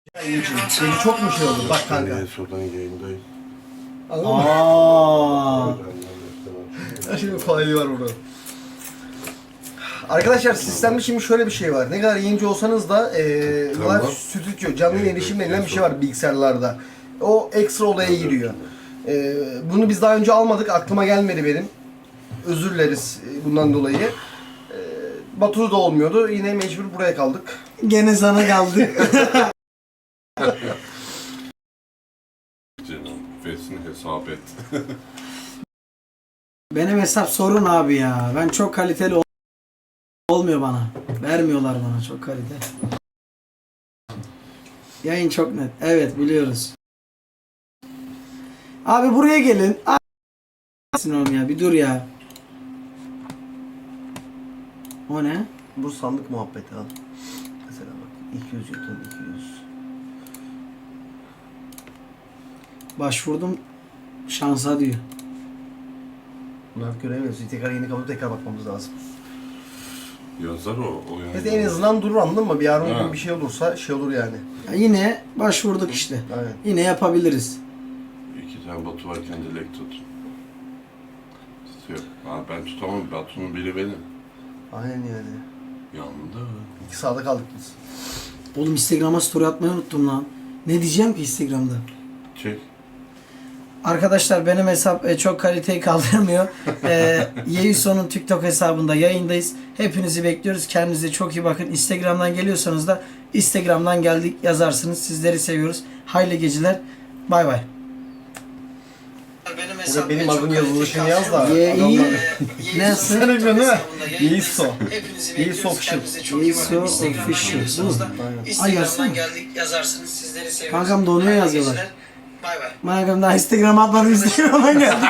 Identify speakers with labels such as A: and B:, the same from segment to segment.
A: Şimdi çok mu şey oldu? Bak kanka.
B: Sodan yayındayız.
A: Anladın mı?
C: Aa.
A: Şimdi faali var burada. Arkadaşlar sistemde şimdi şöyle bir şey var. Ne kadar yayıncı olsanız da
B: Tamam.
A: live stüdyo, canlı yayın erişim denilen bir şey var bilgisayarlarda. O ekstra olaya giriyor. Bunu biz daha önce almadık. Aklıma gelmedi benim. Özür dileriz bundan dolayı. Batu'da da olmuyordu. Yine mecbur buraya kaldık.
C: Gene sana kaldık.
B: Canım, fesini hesap et.
C: Benim hesap sorun abi ya. Ben çok kaliteli olmuyor bana. Vermiyorlar bana çok kalite. Yayın çok net. Evet biliyoruz. Abi buraya gelin. Oğlum ya bir dur ya. O ne?
A: Bu sandık muhabbeti al. Mesela bak 200 yutun 200.
C: Başvurdum şansa diyor.
A: Bunlar göremiyoruz. Tekrar yeni kapıda tekrar bakmamız lazım.
B: Yazar o yani.
A: Biz en azından durur anladın mı? Bir yarın
B: Ha.
A: gün bir şey olursa şey olur yani.
C: Ya yine başvurduk işte.
A: Aynen.
C: Yine yapabiliriz.
B: İki tane Batu varken dilek tut. Tutuyor. Ha, ben tutamam. Batu'nun biri benim.
A: Aynen yani.
B: Yandı.
A: İki sağda kaldık biz.
C: Oğlum Instagram'a story atmayı unuttum lan. Ne diyeceğim ki Instagram'da?
B: Çek.
C: Arkadaşlar benim hesap çok kaliteyi kaldıramıyor. Yeiso'nun TikTok hesabında yayındayız. Hepinizi bekliyoruz. Kendinize çok iyi bakın. Instagram'dan geliyorsanız da Instagram'dan geldik yazarsınız. Sizleri seviyoruz. Hayırlı geceler. Bay bay.
A: Burada benim adım yazılışını yaz da.
C: Nasıl?
A: Sen biliyorsun değil mi? Yeiso. Yeiso Official.
C: Yeiso Official. Bu mu? Ay yazsana.
D: geldik yazarsınız. Sizleri seviyoruz.
C: Kankam da onu yazıyorlar.
D: Bay bay.
C: Kankam daha Instagram'a atmadım. Instagram'dan geldik.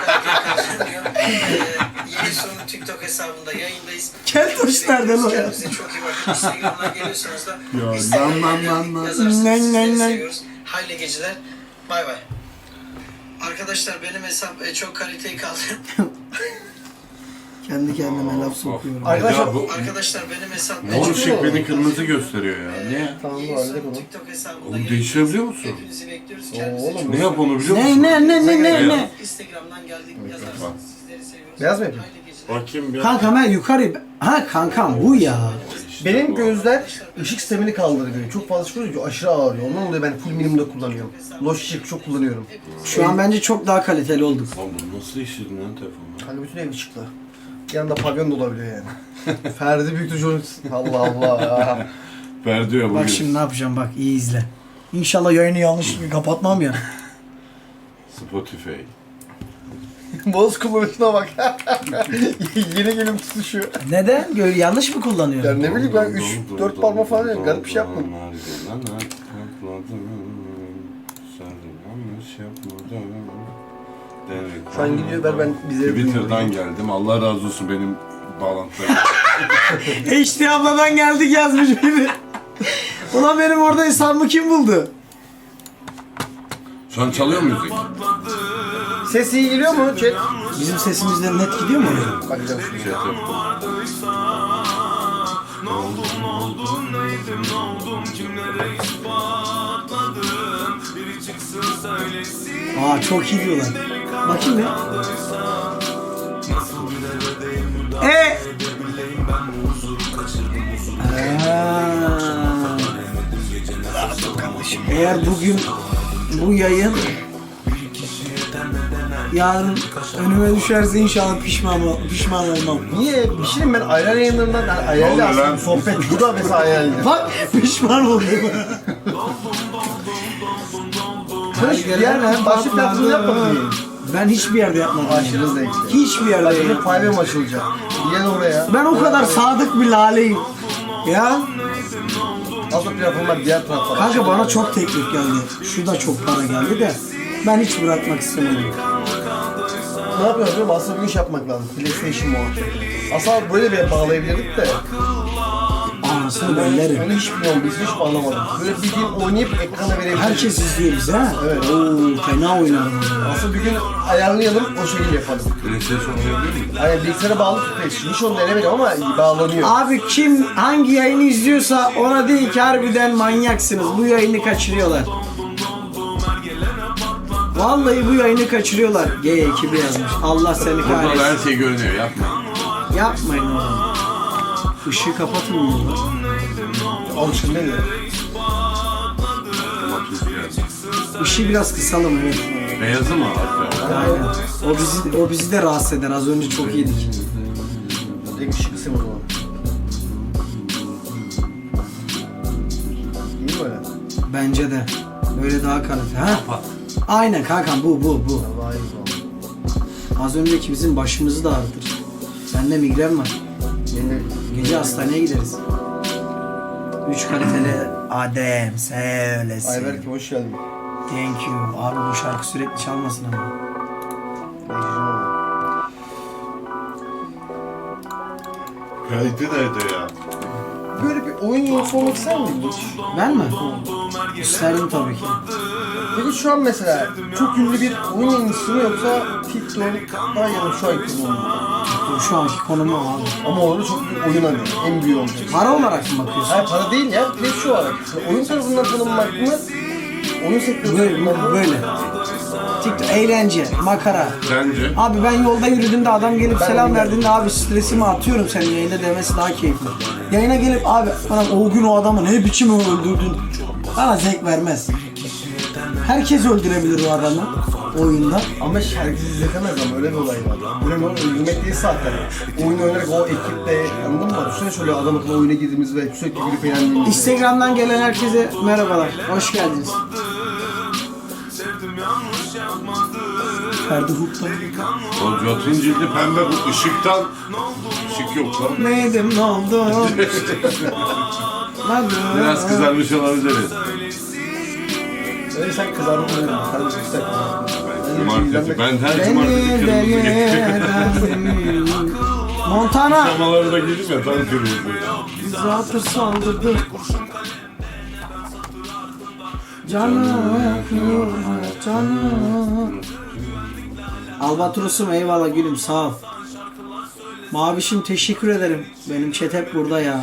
D: Yeni sonu TikTok hesabında yayındayız.
C: Keltoş nerede lan?
D: Kendinize çok iyi bakın. Instagram'dan geliyorsanız da
C: lan,
D: Instagram'dan yazarsınız.
C: lan,
D: Sizleri
C: lan.
D: seviyoruz. Hayırlı geceler. Bay bay. Arkadaşlar benim hesap çok kaliteyi kaldırıyor.
C: Kendi kendime laf sokuyorum.
A: Arkadaşlar-
B: Ya bu
D: Arkadaşlar benim hesap
B: mor ışık beni kırmızı gösteriyor ya. Niye?
A: Tamam bu
D: Yeni
A: halde
D: sonu
A: bunu.
D: TikTok hesabında
B: Oğlum
D: yayındayız.
B: değiştirebiliyor musun?
D: Hepinizi bekliyoruz.
A: Oo,
D: Kendinize
A: oğlum.
D: çok
B: Ne yap onu biliyor musun?
C: Ne?
D: Instagram'dan geldik yazarsınız. Sizleri seviyoruz.
A: Beyaz mı yapayım?
D: Hayırlı geceler.
B: Bakayım bir.
C: Kankam ben yukarı... Ha kankam bu ya.
B: İşte
A: Benim
B: bu.
A: gözler ışık sistemini kaldırıyor. Çok fazla çıkıyor, aşırı ağrıyor. Ondan dolayı ben full minimumda kullanıyorum. Loş ışık çok kullanıyorum.
C: Şu an bence çok daha kaliteli olduk.
B: Lan bu nasıl işledin lan telefonla?
A: Hani bütün ev ışıklı. Yanında pavyon da olabiliyor yani. Ferdi Büyük Çocuk. Allah Allah.
B: Verdi ya bugün.
C: Bak şimdi ne yapacağım bak iyi izle. İnşallah yayını yanlış kapatmam ya.
B: Spotify.
A: Boz kullanışına bak. Yeni gelip tutuşuyor.
C: Neden? Yanlış mı kullanıyorum?
A: Ya ne bileyim ben 3-4 parma falan yok. Garip bir şey yapmadım. Şu an gidiyor ben bize...
B: Twitter'dan geldim. Allah razı olsun benim bağlantılarım.
C: HD abladan geldik yazmış biri. Ulan benim orada hesabımı kim buldu?
B: Şu an çalıyor mu müzik?
A: Ses iyi geliyor mu chat?
C: Bizim sesimizden net gidiyor mu?
A: Bakacağım şimdi.
B: Chat yaptım.
C: Aa çok iyi diyorlar. Bakayım ya. Eğer bugün bu yayın yarın önüme düşerse inşallah pişman olmam.
A: Niye? Bir şey diyeyim ben ayran yayınlarından yani ayarlı
B: Ne oluyor
A: aslında
B: lan?
A: bir sohbet. Bu da mesela ayarlı.
C: Bak pişman oldum.
A: Sen hiç bir yerden başlık platformu yapmadın mı?
C: Ben hiçbir yerde yapmadım.
A: Aşırı zevkli.
C: Hiçbir yerde
A: Bak şimdi
C: yapmadım.
A: paylaşım açılacak. Gel oraya.
C: Ben o kadar sadık bir laleyim. Ya
A: Aslında platformlar diğer taraflara.
C: kanka bana çok teklif geldi. Şu da çok para geldi de ben hiç bırakmak istemedim.
A: Ne yapıyoruz biliyor musun? Aslında bir iş yapmak lazım. PlayStation muhabbeti. Aslında böyle bir bağlayabilirdik de.
C: şansını bellerim.
A: Onu hiç bilmiyorum, biz hiç anlamadık. Böyle bildiğin oynayıp ekrana verebiliriz.
C: Herkes izliyor bizi ha.
A: Evet.
C: Oo, fena oynarım.
A: Aslında bir gün ayarlayalım, o şekilde yapalım.
B: PlayStation oynayabilir miyim?
A: Hani bilgisayara bağlı tutmayız. Hiç onu denemedim ama bağlanıyor.
C: Abi kim hangi yayını izliyorsa ona değil ki harbiden manyaksınız. Bu yayını kaçırıyorlar. Vallahi bu yayını kaçırıyorlar. G ekibi yazmış. Allah seni
B: Burada da
C: kahretsin.
B: her şey görünüyor, yapma.
C: Yapmayın oğlum. Işığı kapatın bunu.
A: Alışkın değil mi?
B: Matrix geldi.
C: Işığı biraz kısalım evet.
B: Beyazı mı arkadaşlar?
C: Aynen. O bizi de rahatsız eder. Az önce çok iyiydik.
A: Direkt ışık kısım o zaman. İyi mi öyle?
C: Bence de. Böyle daha kalite. Ha?
B: Kapat.
C: Aynen kankam bu.
A: Daha iyi o zaman.
C: Az önceki bizim başımızı da ağrıtır. Bende migren var.
A: Yeni
C: Gece hastaneye gideriz. 3 kaliteli Adem söylesin.
A: Ayberk'im hoş geldin.
C: Thank you. Abi bu şarkı sürekli çalmasın ama.
B: Kalite nerede ya?
A: Böyle bir oyun yolcusu olmak ister miydin hiç?
C: Ben mi? İsterdim tabii ki.
A: Peki şu an mesela çok ünlü bir oyun yayıncısı mı yoksa TikTok'tan ya da şu anki konumda?
C: Şu anki konum o abi.
A: Ama orada çok büyük oyun arıyor. En büyüğü olacak.
C: Para olarak mı bakıyorsun?
A: Hayır para değil ya. Direkt şu olarak. Oyun tarafından tanınmak mı? Oyun sektörü tarafından mı?
C: Böyle. TikTok, eğlence, makara.
B: Sence?
C: Abi ben yolda yürüdüğümde adam gelip
A: Ben
C: selam
A: bilmiyorum.
C: verdiğinde abi stresimi atıyorum senin yayında demesi daha keyifli. Yayına gelip abi bana o gün o adamı ne biçim öldürdün bana zevk vermez. Herkes öldürebilir o adamı oyunda.
A: Ama herkes izletemez ama öyle bir olay var. Önemli olan öldürmek değil zaten. Oyun oynarak o ekiple anladın mı? Düşünsene şöyle adam akıllı oyuna girdiğimiz ve sürekli gülüp eğlendiğimiz.
C: Instagram'dan gelen herkese merhabalar. Hoş geldiniz. Ferdi Huk'tan.
B: O Jotun cildi pembe, bu ışıktan. Işık yok lan.
C: Neydim ne oldu?
B: Biraz kızarmış olabilir.
A: Öyle sen kızardın mı? Sen de yüksek.
B: Cumartesi. Ben her
C: Beni
B: cumartesi
C: de
B: kırmızı getiriyorum.
C: yedim. Montana.
B: Samalarına girdim ya tam kırmızı.
C: Zatır saldırdı. Canım yakıyor canım. Albatros'um eyvallah gülüm sağ ol. Mavişim teşekkür ederim. Benim chat hep burada ya.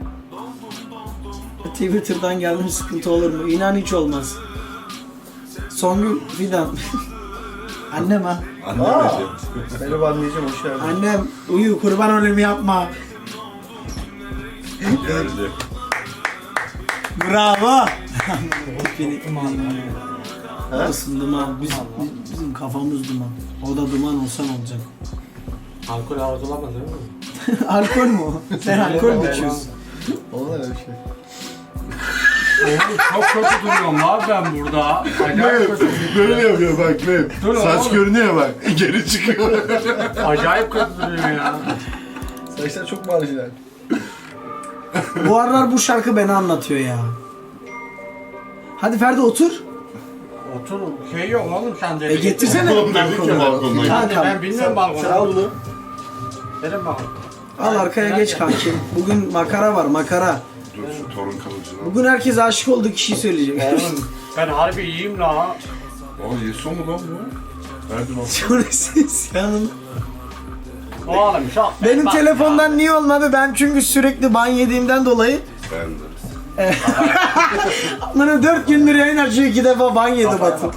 C: Twitter'dan geldim sıkıntı olur mu? İnan hiç olmaz. Songül Fidan. Annem ha.
B: Annem
A: Aa,
B: dedi.
A: merhaba anneciğim hoş geldin.
C: Annem uyu kurban olayım yapma.
B: Geldi.
C: Bravo. Orası duman. Bizim kafamız duman. O da duman olsa ne olacak?
E: Alkol arzulamaz değil mi?
C: Alkol mü o? Sen alkol mü içiyorsun?
A: Olmaz öyle bir şey.
E: Oğlum çok kötü duruyorum abi ben burada. Acayip kötü.
B: Böyle yapıyor bak benim.
E: Dur
B: Saç
E: oğlum.
B: görünüyor bak. Geri çıkıyor.
E: Acayip kötü duruyor ya.
A: Saçlar çok marjinal.
C: Bu aralar bu şarkı beni anlatıyor ya. Hadi Ferdi otur.
E: Otur. Şey yok oğlum sen de.
C: Getirsene.
B: Oğlum dedik ya balkondan.
C: Kankam.
E: Ben bilmiyorum balkonu.
A: al bunu.
E: Benim balkon.
C: Al arkaya geç kankim. Bugün makara var makara.
B: Dur şu torun kalıcına.
C: Bugün herkes aşık olduğu kişiyi söyleyecek.
E: Oğlum ben harbi iyiyim la.
B: Aa Yeso mu lan bu? Verdim bak.
C: Sonra siz yanım.
E: Oğlum çok.
C: Benim
E: Bak
C: telefondan niye olmadı? Ben çünkü sürekli ban yediğimden dolayı.
B: Ben de.
C: Bana 4 gündür yayın açıyor 2 defa ban yedi Batı.
E: ya. Nasıl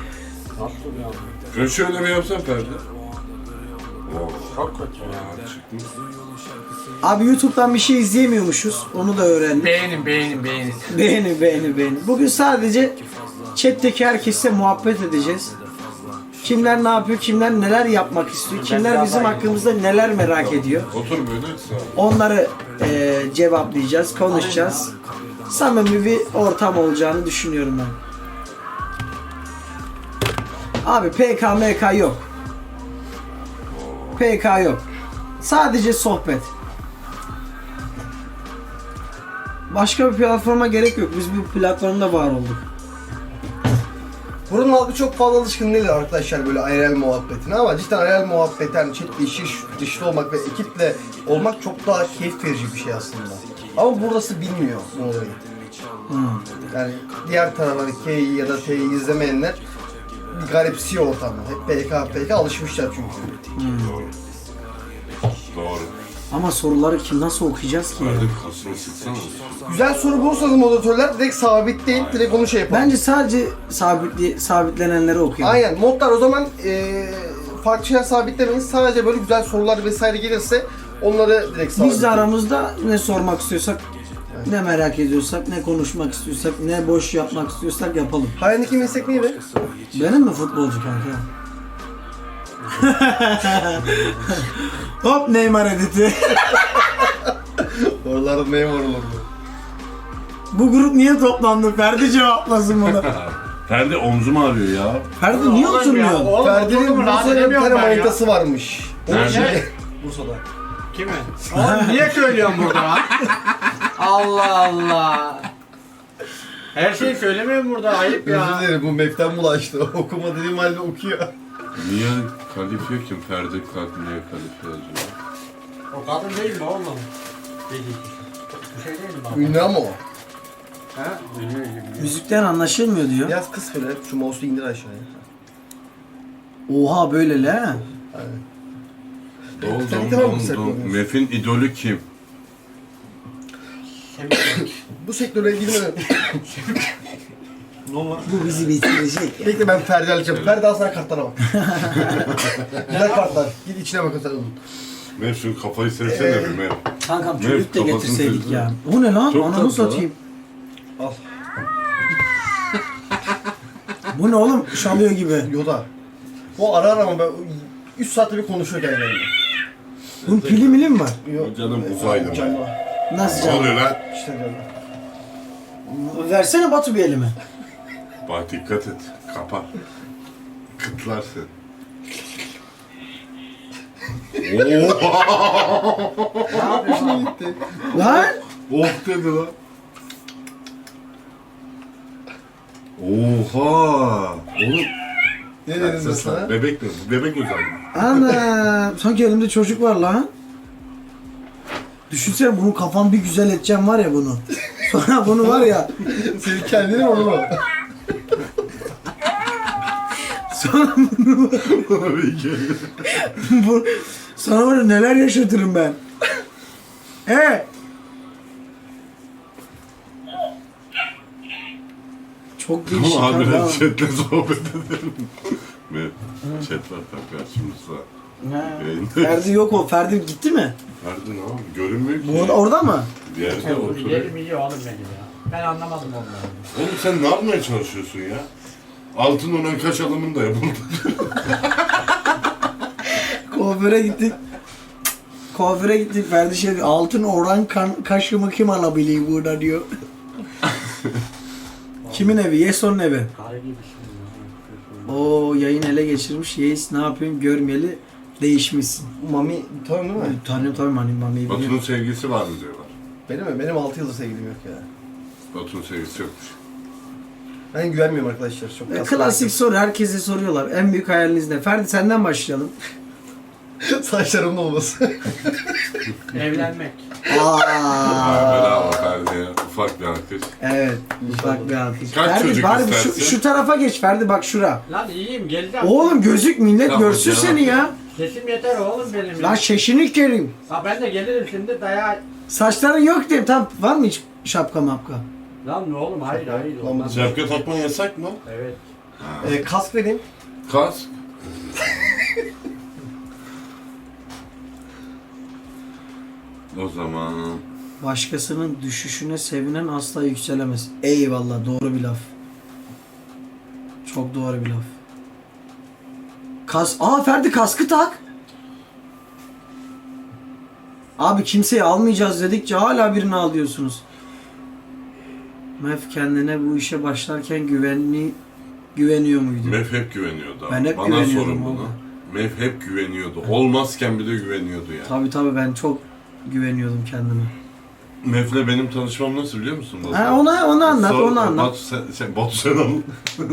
E: ya?
B: Şöyle mi yapsan Ferdi? Oo,
E: Çok kötü ya.
B: çıkmış.
C: Abi YouTube'dan bir şey izleyemiyormuşuz. Onu da öğrendim.
E: Beğenin.
C: Beğeni. Bugün sadece chat'teki herkesle muhabbet edeceğiz. Kimler ne yapıyor, kimler neler yapmak istiyor, kimler bizim hakkımızda neler merak ediyor.
B: Otur böyle sağ ol.
C: Onları cevaplayacağız, konuşacağız. Samimi bir ortam olacağını düşünüyorum ben. Abi PK yok. PK yok. Sadece sohbet. Başka bir platforma gerek yok. Biz bu platformda var olduk.
A: Buranın halkı çok fazla alışkın değil arkadaşlar böyle IRL muhabbetine ama cidden IRL muhabbet yani chat dışlı olmak ve ekiple olmak çok daha keyif verici bir şey aslında. Ama burası bilmiyor bu olayı. Yani diğer tarafları K'yi ya da T'yi izlemeyenler bir garipsiyor ortamı. Hep PK alışmışlar çünkü.
B: Doğru. Doğru.
C: Ama soruları kim nasıl okuyacağız ki ya?
B: Hadi kasını sıksana.
A: Güzel soru bulursanız moderatörler direkt sabitleyin, direkt onu şey yapalım.
C: Bence sadece sabitlenenleri okuyalım.
A: Aynen, modlar o zaman farklı şeyler sabitlemeyin. Sadece böyle güzel sorular vesaire gelirse onları direkt sabitleyin.
C: Biz de aramızda ne sormak istiyorsak, ne merak ediyorsak, ne konuşmak istiyorsak, ne boş yapmak istiyorsak yapalım.
A: Hayalindeki meslek neydi?
C: Benim mi futbolcu kanka? Hop Neymar editi.
A: Oralarda memur olurdu.
C: Bu grup niye toplandı? Ferdi cevaplasın bunu.
B: Ferdi omzum ağrıyor ya.
C: Ferdi niye oturmuyor?
A: Ferdi'nin Bursa'da bir tane manitası varmış.
B: Nerede?
A: Bursa'da.
E: Kimi? Oğlum niye söylüyorsun burada lan? Allah Allah. Her şeyi söylemiyorum burada, ayıp ya.
A: Özür dilerim, bu meften bulaştı. Okuma dediğim halde okuyor.
B: Niye kalifiye kim? Ferdi niye kalifiye yazıyor?
E: O kadın değil mi oğlum? Değil. Bir şey değil mi baba?
A: Ünlü ama o.
E: Ha? Biliyor.
C: Müzikten anlaşılmıyor diyor.
A: Biraz kız böyle, şu mouse'u indir aşağıya.
C: Oha böyle le.
A: Sen tamam mı sen konuyorsun?
B: Mef'in idolü kim?
A: Bu sektöre girmeden...
C: Bu bizi bitirecek.
A: Bekle, ben Ferdi alacağım. Ferdi al sana kartlara bak. Güzel kartlar. Git içine bak sen onun.
B: Mef şu kafayı sevsene bir Mef.
C: Kankam
B: Evet,
C: çocuk da
B: kafasını
C: getirseydik
B: çizdi.
C: ya. O ne lan?
B: Çok
C: Ananı
B: tatlı
C: satayım.
A: Al.
C: Bu ne oğlum? Şalıyor gibi.
A: Yoda. O arar ama ben 3 saatte bir konuşuyor kendine.
C: Bunun pili mili mi var?
A: Yok.
B: Canım uzaylı
A: Canım
B: ben.
A: var.
C: Nasıl
B: Ne
C: canım?
B: oluyor lan?
A: İşte canım.
C: Versene Batu bir elime.
B: Bak dikkat et. Kapar. Kıtlarsın.
A: Gitti.
C: Lan?
B: Oh dedi lan. Oha! Oğlum.
A: Ne dedim ben sana?
B: Bebek mi? Bebek uzaylı.
C: Ana, sanki elimde çocuk var lan. Düşünsene bunu kafam bir güzel edeceğim var ya bunu. Sonra bunu var ya.
A: Senin kendini onu mu?
C: Sonra bunu
B: Tabii ki.
C: bu, sana var ya neler yaşatırım ben. Çok değişik.
B: Ama abi
C: ha.
B: chatle sohbet edelim. Ve chat var tabii karşımızda.
C: Ha.
B: Yayında.
C: Ferdi yok o. Ferdi gitti mi?
B: Ferdi ne abi? Görünmüyor ki.
C: Bu orada mı?
B: Bir yerde oturuyor.
E: Yerim iyi oğlum benim ya. Ben anlamadım onları.
B: Oğlum sen ne yapmaya çalışıyorsun ya? Altın oran kaç alımın da yapıldı.
C: Kuaföre gittik. Kuaföre gittik. Ferdi şey diyor, altın oran kaşımı kim alabiliyor burada diyor. Kimin evi? Yeson'un evi.
E: Karı gibi şimdi.
C: O yayın ele geçirmiş. Yes ne yapayım görmeyeli değişmişsin.
A: Mami tanıyor değil mi?
C: Tanıyorum tabii Mami'yi
B: Batu'nun
C: biliyorum.
B: sevgisi var mı diyorlar.
A: Benim mi? Benim 6 yıldır sevgilim yok ya.
B: Batu'nun sevgisi yokmuş.
A: Ben güvenmiyorum arkadaşlar. Çok kasma.
C: Klasik soru. Herkese soruyorlar. En büyük hayaliniz ne? Ferdi senden başlayalım.
A: Saçlarımın olması.
E: Evlenmek.
B: Bravo Ferdi'ye. Ufak bir alkış.
C: Evet. Ufak bir alkış.
B: Kaç
C: Ferdi
B: çocuk
C: bari
B: istersin?
C: şu tarafa geç Ferdi bak şura.
E: Lan iyiyim, geleceğim.
C: Oğlum gözük millet
B: Tamam,
C: görsün
B: canım.
C: seni ya.
E: Sesim yeter oğlum benim.
C: Lan şeşini kerim.
E: Ha ben de gelirim şimdi dayağı.
C: Saçların yok diyeyim. Tam var mı hiç şapka mapka?
E: Lan ne oğlum, hayır hayır.
A: Lan
E: olmaz.
B: Şapka takman yasak mı?
E: Evet.
A: Kask vereyim.
B: Kask. O zaman
C: Başkasının düşüşüne sevinen asla yükselemez. Eyvallah doğru bir laf. Çok doğru bir laf. Ferdi kaskı tak. Abi kimseyi almayacağız dedikçe hala birini al diyorsunuz. Mef kendine bu işe başlarken güveniyor muydu?
B: Mef hep güveniyordu.
C: Ben hep
B: Bana
C: güveniyordum
B: sorun bunu.
C: valla.
B: Mef hep güveniyordu. Olmazken bile güveniyordu yani.
C: Tabii ben çok güveniyordum kendime.
B: Mef'le benim tanışmam nasıl biliyor musun? Batu?
C: Ha, onu anlat,
B: Sor-
C: onu anlat.
B: Batu sen anlat.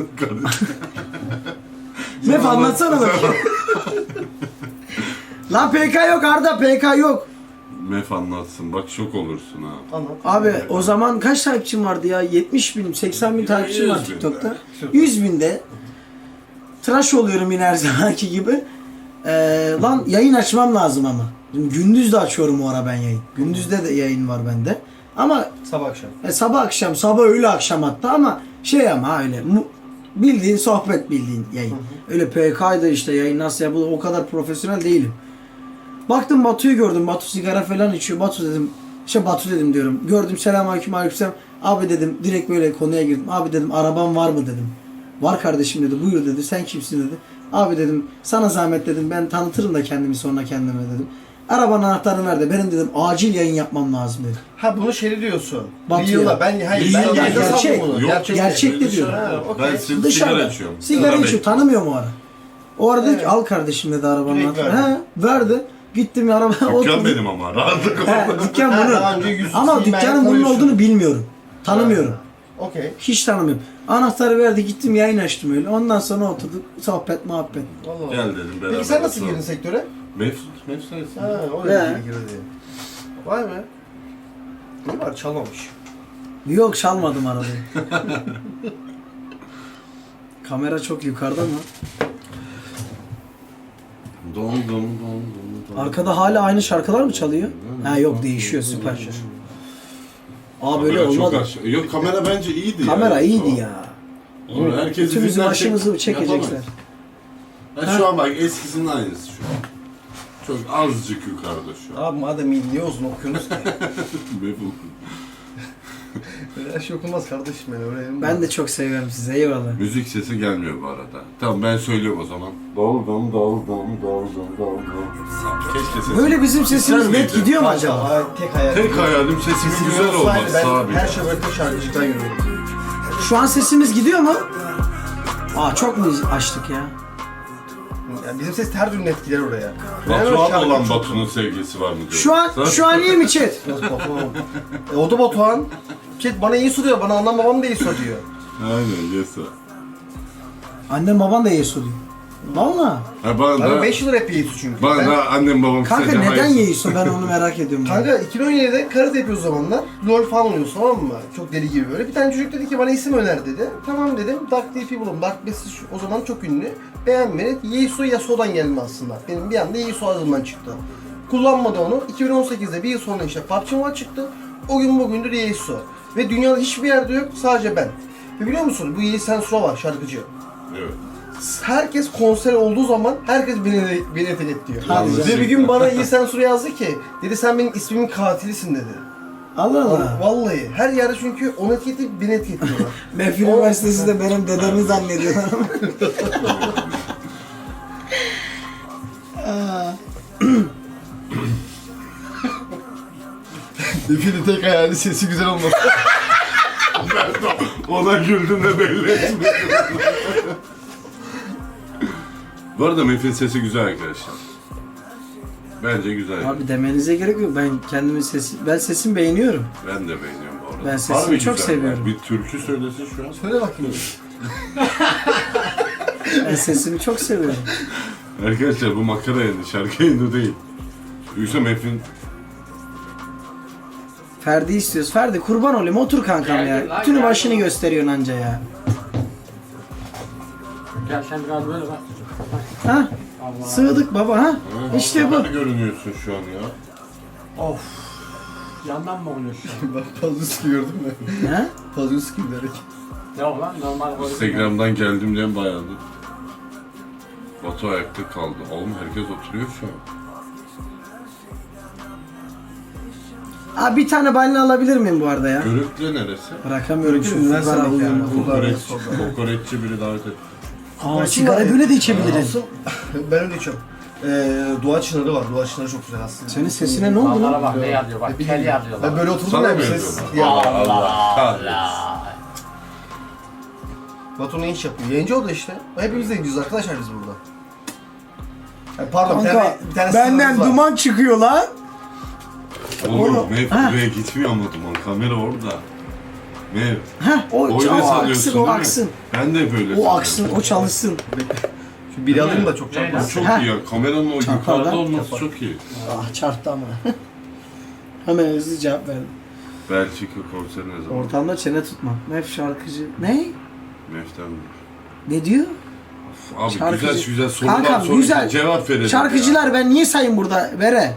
C: Mef anlatsana bakayım. Lan PK yok Arda, PK yok.
B: Mef anlatsın. Bak şok olursun ha.
A: Anlat.
C: Abi o zaman kaç takipçim vardı ya? 70 bin, 80 bin takipçim var
B: 100 bin
C: TikTok'ta.
B: de.
C: 100 binde tıraş oluyorum yine her zamanki gibi. Lan yayın açmam lazım ama. Şimdi gündüz de açıyorum o ara ben yayın. Gündüzde de yayın var bende. Ama
A: Sabah akşam.
C: sabah akşam, sabah öğle akşam hatta ama şey ama öyle bildiğin sohbet bildiğin yayın. Öyle PK'ydı işte yayın nasıl yapılır o kadar profesyonel değilim. Baktım Batu'yu gördüm. Batu sigara falan içiyor. Batu dedim. Batu dedim diyorum. Gördüm selamünaleyküm aleykümselam. Abi dedim direkt böyle konuya girdim. Abi dedim araban var mı dedim. Var kardeşim dedi. Buyur dedi. Sen kimsin dedi. Abi dedim sana zahmet dedim. Ben tanıtırım da kendimi sonra kendime dedim. Arabanın anahtarını ver de benim dedim acil yayın yapmam lazım dedi.
A: Ha bunu şey diyorsun.
C: Batıyor.
A: Reel'da. Ben
B: Reel'da
A: yayında sandım
C: gerçek.
A: bunu.
B: Yok,
C: gerçek de diyor.
A: Ha, okey.
B: Ben sigara
C: Dışarıda.
B: içiyorum.
C: Sigara içiyor. Tanımıyorum o ara. O ara dedi ki
A: Evet.
C: al kardeşim dedi arabanın
A: Direkt
C: anahtarını.
A: verdi.
C: He verdi. Gittim arabaya
B: Dükkan
C: oturdum.
B: benim ama. Rahatlık
C: He, dükkan
A: Ha,
C: bunun.
A: daha önce yüz
C: Ama
A: silmeyen
C: dükkanın bunun
A: koyuyorsun.
C: olduğunu bilmiyorum. Tanımıyorum.
A: Okey.
C: Hiç tanımıyorum. Anahtarı verdi gittim yayın açtım öyle. Ondan sonra oturduk sohbet muhabbet.
A: Allah.
B: Gel dedim beraber.
A: Peki sen nasıl
B: oturalım.
A: girdin sektöre?
B: Mef sensin.
A: Ha, o
C: He.
A: da girdi. Vay be. Ne var çalmamış.
C: Yok çalmadım arabayı. Kamera çok yukarıda mı?
B: Dondum.
C: Arkada hala aynı şarkılar mı çalıyor? Ha yok değişiyor süper. Aa böyle
B: Kamera çok
C: olmadı.
B: aşağı- Yok kamera bence iyiydi
C: Kamera
B: ya.
C: iyiydi ya.
B: Oğlum, herkes
C: Bütümüzü
B: yüzünden
C: başımızı
B: çek-
C: çekecekler.
B: yapamayız. Ha, şu an bak eskisinin aynısı şu an. Çok azıcık yukarıda şu an.
A: Abi madem iyi niye uzun okuyorsunuz ki?
B: Meful.
A: Öyle her şey okunmaz kardeşim ben öğrenim.
C: Ben de çok seviyorum sizi eyvallah.
B: Müzik sesi gelmiyor bu arada. Tamam ben söylüyorum o zaman. Doldum. Keşke sesim.
C: Böyle bizim sesimiz
B: Güzel
C: net
B: miydi?
C: gidiyor mu acaba?
A: Tek hayal.
B: Tek hayalim sesimin
A: Sesimiz
B: güzel
A: olsaydı
B: olması
A: ben
B: abi.
A: her şey böyle tek şarkıcıktan yürüyorum.
C: Şu an sesimiz gidiyor mu? Aa çok mu açtık ya?
A: Yani bizim ses her türlü etkiler oraya.
B: Batuhan olan Batu'nun sevgisi var mı diyor.
C: Şu an iyi mi chat?
A: Biraz Batuhan. O da Batuhan. Chat bana iyi soruyor, bana annem babam da iyi soruyor.
B: Aynen yesa.
C: Annem baban da Yesu diyor. Valla.
B: Ha bana
A: Ben
B: da,
A: 5 yıl hep Yesu çünkü.
B: bana da annem babam
C: Kanka
B: istedi,
C: neden
B: hayır.
C: Yesu? Ben onu merak ediyorum.
A: Kanka 2017'de karate yapıyoruz o zamanlar. LoL falan oynuyoruz tamam mı? Çok deli gibi böyle. Bir tane çocuk dedi ki bana isim öner dedi. Tamam dedim. Dark DP buldum. Dark Message o zaman çok ünlü. Beğenmedi. Yesu Yasuo'dan gelme aslında. Benim bir anda Yesu ağzımdan çıktı. Kullanmadı onu. 2018'de bir yıl sonra işte PUBG Mobile çıktı. O gün bugündür Yesu. Ve dünyada hiçbir yerde yok. Sadece ben. Ve biliyor musun? Bu Yesu Sensura var şarkıcı.
B: Evet.
A: Herkes konser olduğu zaman herkes beni etiketliyor.
C: Hadi
A: Ve
C: canım.
A: bir gün bana iyi Sensura yazdı ki dedi sen benim ismimin katilisin dedi.
C: Allah Allah.
A: Vallahi her yerde çünkü onu etiketleyip beni etiketliyorlar.
C: Mefil Üniversitesi de benim dedemi zannediyorlar ama.
A: Defilin tek hayali sesi güzel olması.
B: Ona güldüm de belli etmedim. Bu arada Mef'in sesi güzel arkadaşlar. Bence güzel.
C: Abi demenize gerek yok. Ben sesimi beğeniyorum.
B: Ben de beğeniyorum bu arada.
C: Ben sesini
B: Harbi
C: çok
B: güzel.
C: seviyorum.
B: Bir türkü söylesin şu an.
A: Söyle bakayım.
C: Ben sesimi çok seviyorum.
B: Arkadaşlar bu makara yayını, şarkı yayını değil. Yoksa Mef'in
C: Ferdi istiyoruz. Ferdi kurban olayım otur kankam
E: Geldim
C: ya.
E: lan,
C: Bütün
E: geldim.
C: başını gösteriyorsun anca ya.
E: Gel sen biraz böyle bak.
C: Ha?
E: Allah.
C: Sığdık baba ha? İşte bu.
B: Nasıl görünüyorsun şu an ya?
E: Of. Yandan mı oynuyorsun?
A: Bak Pazuski gördün mü?
C: Ha?
A: Pazuski derek.
E: Yok lan normal oynuyorsun.
B: Instagram'dan geldim diyen bayağı. Batu ayakta kaldı. Oğlum herkes oturuyor şu an.
C: Abi bir tane balina alabilir miyim bu arada ya?
B: Görüntüle neresi?
C: Bırakamıyorum şu
A: Görüntü,
C: ızgara
A: versene
C: huyunu.
A: yani.
B: Kokoreççi biri davet etti.
C: Aa sigara böyle de içebilirim.
A: Asıl ben öyle içiyorum. Dua Çınarı var. Dua Çınarı çok güzel aslında.
C: Senin sesine ne oldu
E: Allah'a
C: lan?
E: bak ne yazıyor bak. Kel yazıyor
A: Ben
E: bak.
A: böyle oturdum
B: Sana
A: ya
B: mı
A: bir ses.
B: yazıyorlar?
A: Ya.
B: Allah kahretsin.
A: Batu ne iş yapıyor? Yayıncı oldu işte. Hepimiz de yayıncıyız arkadaşlar biz burada. Pardon
C: Kanka
A: bir tane
C: benden
A: sınırımız var.
C: duman çıkıyor lan.
B: Oğlum Mev
C: Ha.
B: buraya gitmiyor ama duman. Kamera orada. Mev.
C: Heh o
B: Öyle
C: aksın
B: sanıyorsun
C: o
B: değil mi?
C: aksın.
B: Ben de böyle
C: O
B: sanıyorum.
C: aksın o çalışsın.
A: Şu biri alayım da çok
E: Neyden?
A: çarpmasın.
B: Çok
C: Ha.
B: iyi ya. Kameranın o
C: Çarpardan
B: yukarıda olması
A: yapar.
B: çok iyi.
C: Ah çarptı ama. Hemen hızlı cevap verdim.
B: Belçika konseri ne zaman?
C: Ortamda çene tutmak. Mef şarkıcı. Ne?
B: Meften mi?
C: Ne diyor?
B: Abi
C: Şarkıcı.
B: güzel sorular
C: Kankam,
B: sorunca
C: güzel.
B: cevap verelim
C: Şarkıcılar ben niye sayayım burada? Vere.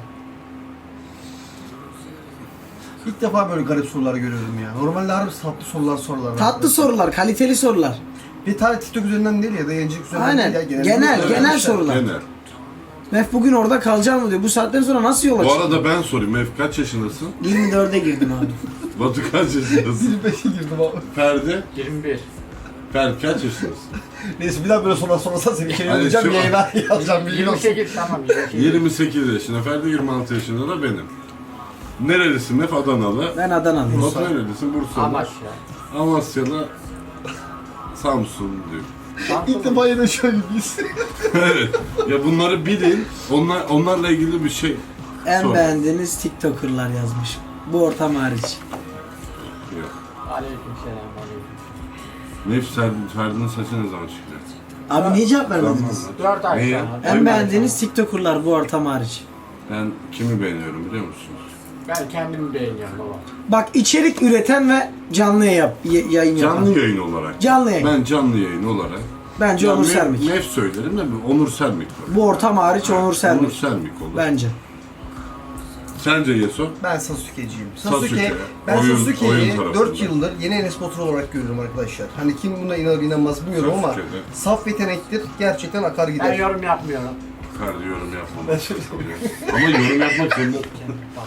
A: İlk defa böyle garip sorular görüyorum ya. Normalde harbi tatlı sorular sorular.
C: Tatlı sorular, kaliteli sorular.
A: Bir tane TikTok üzerinden değil ya da yayıncılık üzerinden
C: Aynen.
A: değil ya.
C: Genel
A: Arkadaşlar,
C: sorular.
B: Genel.
C: Mef bugün orada kalacağım mı diyor. Bu saatten sonra nasıl yola
B: Bu
C: çıkıyor?
B: arada ben sorayım. Mef kaç yaşındasın?
C: 24'e girdim abi.
B: Batu kaç yaşındasın?
A: 25'e girdim abi.
B: Ferdi?
E: 21.
B: Ferdi kaç yaşındasın?
A: Neyse bir daha böyle sorular sorarsan seni içeri
B: Hani
A: alacağım,
B: şu-
A: yayına yazacağım bilgin olsun.
E: 28 tamam 28.
B: 28 yaşında. Ferdi 26 yaşında da benim. Nerelisin Mef? Adanalı.
C: Ben Adana'lıyım.
B: Batu nerelisin? Bursalı.
E: Amasya.
B: Amasya'da Samsun diyor.
A: İlk defa yayınlaşıyor gibiyiz.
B: Evet. Ya bunları bilin. Onlarla ilgili bir şey.
C: En
B: Sor.
C: beğendiğiniz TikToker'lar yazmış. Bu ortam hariç.
B: Yok.
E: Aleykümselam.
B: Ferdi'nin saçı ne zaman çıkacak?
C: Abi niye cevap vermediniz?
E: 4 ay
B: Niye?
E: sonra.
C: En beğendiğiniz TikToker'lar bu ortam hariç.
B: Ben kimi beğeniyorum biliyor musunuz?
E: Ben kendimi beğeniyorum baba.
C: Bak içerik üreten ve canlı yayın yapan.
B: Canlı yayın olarak.
C: Canlı yayın.
B: Ben canlı yayın olarak.
C: Bence
B: Ya
C: Onur Sermik.
B: Mef söylerim de Onur Sermik var.
C: Bu ortam hariç Onur
B: Onur
C: Sermik.
B: Sermik olur.
C: Bence.
B: Sence Yeso?
A: Ben Sasuke'ciyim.
B: Sasuke.
A: Ben
B: Oyun
A: Sasuke'yi
B: tarafında.
A: 4 yıldır yeni Enes Batur olarak görüyorum arkadaşlar. Hani kim buna inanır inanmaz bilmiyorum ama
B: Sasuke'de.
A: saf yetenektir. Gerçekten akar
E: Ben
A: gider.
E: yorum yapmıyorum.
B: Ferdi yorum yapmam. Ama yorum yapmak zorunda.
E: Bak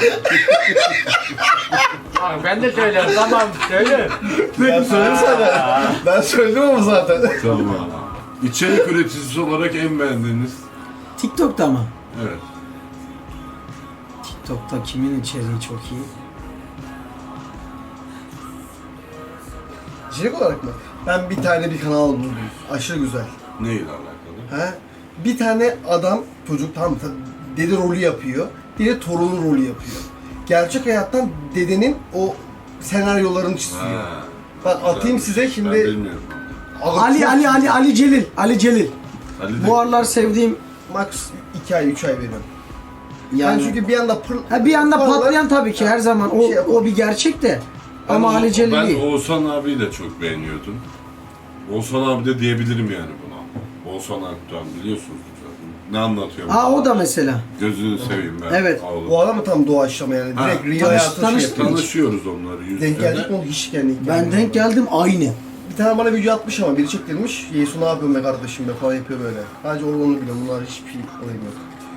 E: sen abi. Ben de söylerim tamam söyle.
A: Ben söyledim sana. Ben söyledim ama zaten.
B: Tamam. İçerik üreticisi olarak en beğendiğiniz?
C: TikTok'ta mı?
B: Evet.
C: TikTok'ta kimin içeriği çok iyi?
A: İçerik olarak mı? Ben bir tane bir kanal buldum. Aşırı güzel.
B: Neyle alakalı?
A: He? Bir tane adam, çocuk tam dede rolü yapıyor. Dede torunu rolü yapıyor. Gerçek hayattan dedenin o senaryolarını çiziyor.
B: Ha,
A: Bak atayım size
B: Ben
A: şimdi.
B: bilmiyorum.
C: Ali Celil. Ali Celil.
B: Ali de-
C: Bu aralar sevdiğim
A: Max 2 ay 3 ay veriyorum.
C: yani.
A: Ben çünkü bir anda
C: Bir anda
A: Vallahi-
C: patlayan tabii ki her zaman o,
A: Bir şey yapalım.
C: o bir gerçek de.
B: Ben
C: Ama
B: o-
C: Ali Celil
B: Ben
C: iyi.
B: Oğuzhan abiyi de çok beğeniyordum. Oğuzhan abi de diyebilirim yani buna. Oğuzhan Akdoğan biliyorsunuz zaten. Ne anlatıyor?
C: O da mesela.
B: Gözünü seveyim ben.
C: Evet.
B: Oğlum.
A: o adam tam doğaçlama yani.
B: Ha,
A: Direkt real hayatı şey
C: tanıştık.
A: yapıyor.
B: Tanışıyoruz onları yüz
A: Denk
B: yüze.
A: geldik mi? Hiç yani.
C: Ben denk geldim aynı.
A: Bir tane bana video atmış ama biri çektirmiş. Yesu ne yapıyorsun be kardeşim be falan yapıyor böyle. Sadece onu biliyorum. Bunlar hiçbir şey olayım yok.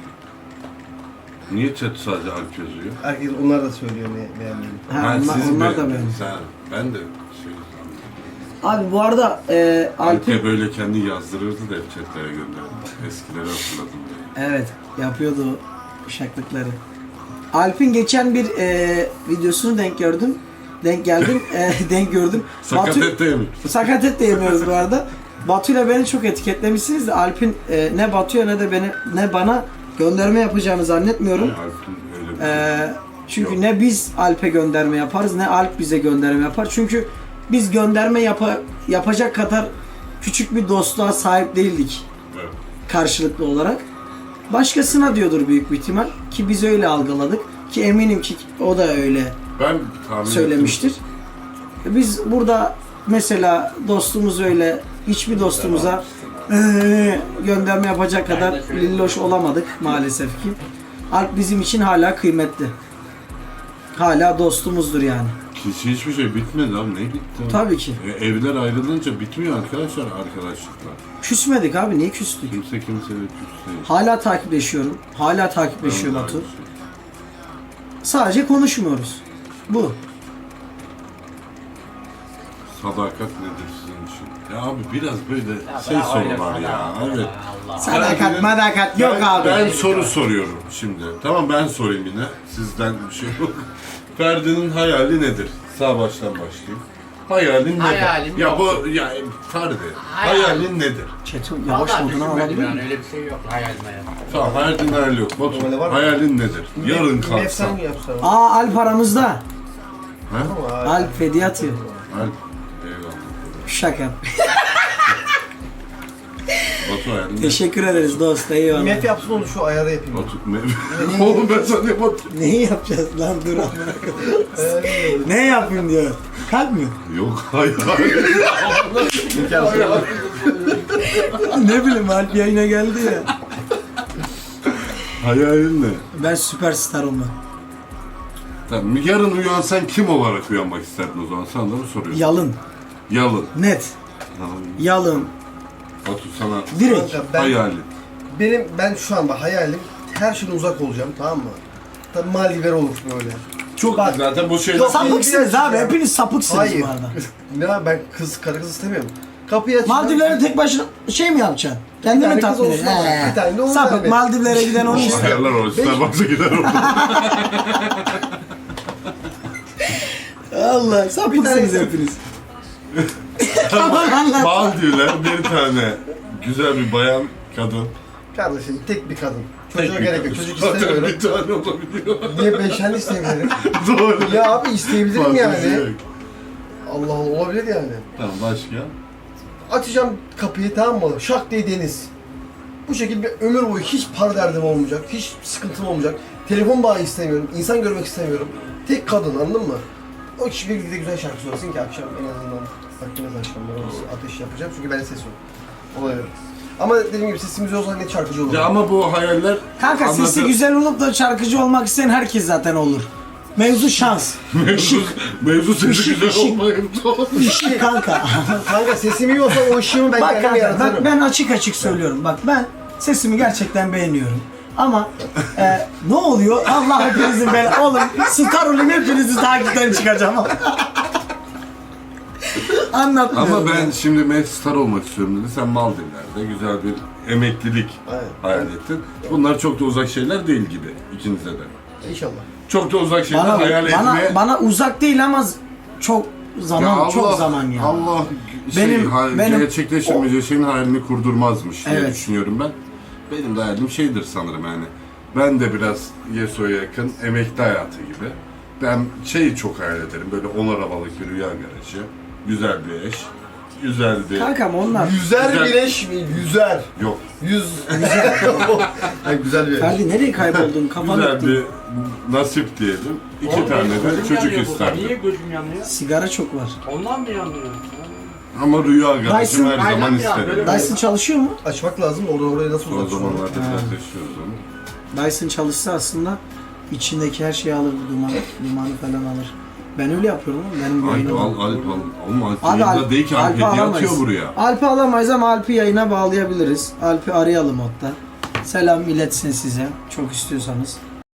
B: Niye chat sadece Alp yazıyor?
A: Herkes onlar da söylüyor ne beğendiğini.
C: Ha,
B: siz
C: onlar da
B: beğendiniz.
C: beğendi.
B: Ha, ben de şey
C: Abi bu arada Alp'in...
B: Alp'e böyle kendi yazdırırdı da hep chatlere gönderdi. Eskileri hatırladım diye.
C: Evet yapıyordu o uşaklıkları. Alp'in geçen bir videosunu denk gördüm. Denk geldim. Denk gördüm.
B: Sakat et değil mi?
C: Sakat et de yemiyoruz bu arada. Batu'yla beni çok etiketlemişsiniz de Alp'in ne Batu'ya ne bana gönderme yapacağını zannetmiyorum.
B: Alp'in öyle bir şey.
C: Çünkü
B: Yok.
C: ne biz Alp'e gönderme yaparız ne Alp bize gönderme yapar. Çünkü biz gönderme yapacak kadar küçük bir dostluğa sahip değildik
B: Evet.
C: karşılıklı olarak. Başkasına diyordur büyük bir ihtimal ki biz öyle algıladık ki eminim ki o da öyle
B: Ben tahmin
C: söylemiştir. Biz burada mesela dostumuz öyle hiçbir dostumuza gönderme yapacak kadar lilloş olamadık maalesef ki. Alp bizim için hala kıymetli. Hala dostumuzdur yani.
B: Hiçbir şey bitmedi abi. Ne bitti? Abi?
C: Tabii ki.
B: Evler ayrılınca bitmiyor arkadaşlar arkadaşlıklar.
C: Küsmedik abi niye küstük?
B: Kimse kimseyle küs değil.
C: Hala takipleşiyorum. Hala takipleşiyor
B: Ben de
C: Batu.
B: aynı şey.
C: Sadece konuşmuyoruz. Bu.
B: Sadakat nedir sizin için? Ya abi biraz böyle
E: Ya
B: şey
E: bırak öyle
B: sorular ya.
E: falan.
B: Evet.
E: Allah.
C: Sadakat madakat yok abi.
B: Ben soru soruyorum şimdi. Tamam ben sorayım yine. Sizden bir şey yok. Ferdi'nin hayali nedir? Sağ baştan başlayayım. Hayalin nedir?
E: Hayalim
B: ya
E: yok.
B: bu ya Ferdi. Hayalin nedir?
C: Çeto yavaş
E: Vallahi
C: moduna
E: düşünmedim
C: alabilir
E: yani
C: miyim?
E: öyle bir şey yok hayalime ya.
B: Tamam hayalin hayali yok. Batu,
A: Öyle var mı?
B: hayalin nedir? Yarın kalksan.
A: Efsane mi yapsan?
C: Alp aramızda.
B: Ha?
C: Alp hediye atıyor.
B: Alp. Eyvallah.
C: Şaka.
B: Batu şu hayalin ne?
C: Teşekkür ederiz dost. Eyvallah.
A: Mef yapsın onu şu ayarı yapayım.
B: Oğlum ben sana ne batırayım?
C: Neyi yapacağız lan dur amına koyayım. Ne yapayım diyor. Kalp mi?
B: Yok hayır.
C: Ne bileyim Alp yayına geldi ya.
B: Hayalin ne?
C: Ben süperstar olmak.
B: Tamam, yarın uyansan kim olarak uyanmak isterdin o zaman? Sana da mı soruyorsun?
C: Yalın.
B: Yalın.
C: Net.
B: Tamam.
C: Yalın.
B: Batu sana
C: Direkt.
A: Kanka,
B: hayalin.
A: ben şu an bak hayalim her şeyden uzak olacağım, tamam mı? Tabii Maldivler olur böyle.
B: Çok
A: Bak,
B: zaten bu şeyler...
A: Yok,
C: Sapıksınız
A: biraz
C: abi.
A: ya.
C: Hepiniz sapıksınız
A: Hayır.
C: bu arada.
A: Ne ben karı kız istemiyorum. Kapıyı açacağım.
C: Maldivlere tek başına şey mi yapacaksın? Kendini mi
A: Bir tane kız
C: tatmin
A: olsun
C: edeceksin?
A: ama, bir tane de olur
C: Sapık
A: abi.
C: Maldivlere giden onu istiyor.
B: Ayarlar o. Starbucks'a gider orada.
C: Allah sapıksınız
A: Bir tane-
C: hepiniz. Tamam anlat.
B: Maldivler bir tane güzel bir bayan kadın.
A: Kardeşim tek bir kadın. Çocuğa
B: Tek bir
A: gerek yok.
B: kadın.
A: Çocuk
B: Zaten
A: istemiyorum.
B: bir tane olabiliyor.
A: Niye beş tane isteyebilirim?
B: Doğru.
A: Ya abi isteyebilirim
B: Fantezi
A: yani.
B: yok.
A: Allah Allah olabilir yani.
B: Tamam başka?
A: Açacağım kapıyı, tamam mı? Şak diye deniz. Bu şekilde bir ömür boyu hiç para derdim olmayacak, hiç sıkıntım olmayacak. Telefon bağı istemiyorum, insan görmek istemiyorum. Tek kadın, anladın mı? O kişi birlikte güzel şarkı söylesin ki akşam en azından vaktiniz akşamları olsun, ateş yapacağım çünkü ben ses yok. Olay yok. Ama dediğim gibi sesimiz olsa net şarkıcı olur.
B: Ya ama bu hayaller...
C: Kanka sesi
B: anlatı-
C: güzel olup da şarkıcı olmak isteyen herkes zaten olur. Mevzu şans.
B: Mevzu sesi
C: Işık,
B: güzel
C: ışık.
B: olmayıp
C: İşi kanka.
A: Kanka sesim iyi olsa o ışığımı ben
C: Bak
A: kendim
C: kanka
A: yaratırım.
C: ben açık açık söylüyorum. Bak ben sesimi gerçekten beğeniyorum. Ama ne oluyor? Allah hepinizin ben oğlum star olayım hepinizi takipten çıkacağım. Anlatmıyorum.
B: Ama ben şimdi Messi star olmak istiyorum dedi. Sen Maldivler'de güzel bir emeklilik
A: Aynen.
B: hayal ettin. Bunlar çok da uzak şeyler değil gibi ikinize de.
A: İnşallah.
B: Çok da uzak şeyler hayal etme.
C: bana uzak değil ama çok zaman
B: Ya
C: çok zaman ya.
B: Allah
C: Benim-
B: gerçekleştirmeyeceği şeyin hayalini kurdurmazmış diye
C: Evet.
B: düşünüyorum ben. Benim de hayalim şeydir sanırım yani. Ben de biraz Yeso'ya yakın emekli hayatı gibi. Ben şeyi çok hayal ederim. Böyle 10 arabalık bir rüya garajı. Güzel bir eş. Güzel bir...
C: Kankam onlar.
A: Yüzer
B: Güzel.
A: bileş mi? Yüzer.
B: Yok.
A: Güzel. Yani güzel bir
C: Ferdi nereye kayboldun? Kafanı
B: Güzel
C: attın.
B: bir nasip diyelim. İki
E: Oğlum,
B: tane
E: benim
B: de
E: gözüm
B: çocuk
E: yanıyor burada.
B: isterdim.
E: Niye gözüm yanıyor?
C: Sigara çok var.
E: Ondan mı yanıyor?
B: Ama rüya garajı
C: Dyson-
B: her zaman
E: Aynen ya,
B: isterim.
E: böyle-
C: Dyson çalışıyor mu?
A: Açmak lazım, oradan oraya nasıl
B: Son
A: uzatacağım?
B: zamanlarda biraz yaşıyoruz onu.
C: Dyson çalışsa aslında içindeki her şeyi alır, dumanı falan alır. Ben öyle yapıyorum oğlum. Benim
B: Alp
C: yayınım.
B: al, Alp al. Oğlum Alp
C: Abi
B: yayında değil ki Alp
C: Alp'i
B: hediye
C: alamayız.
B: atıyor buraya.
C: Alp'i alamayız ama Alp'i yayına bağlayabiliriz. Alp'i arayalım hatta. Selam iletsin size. Çok istiyorsanız.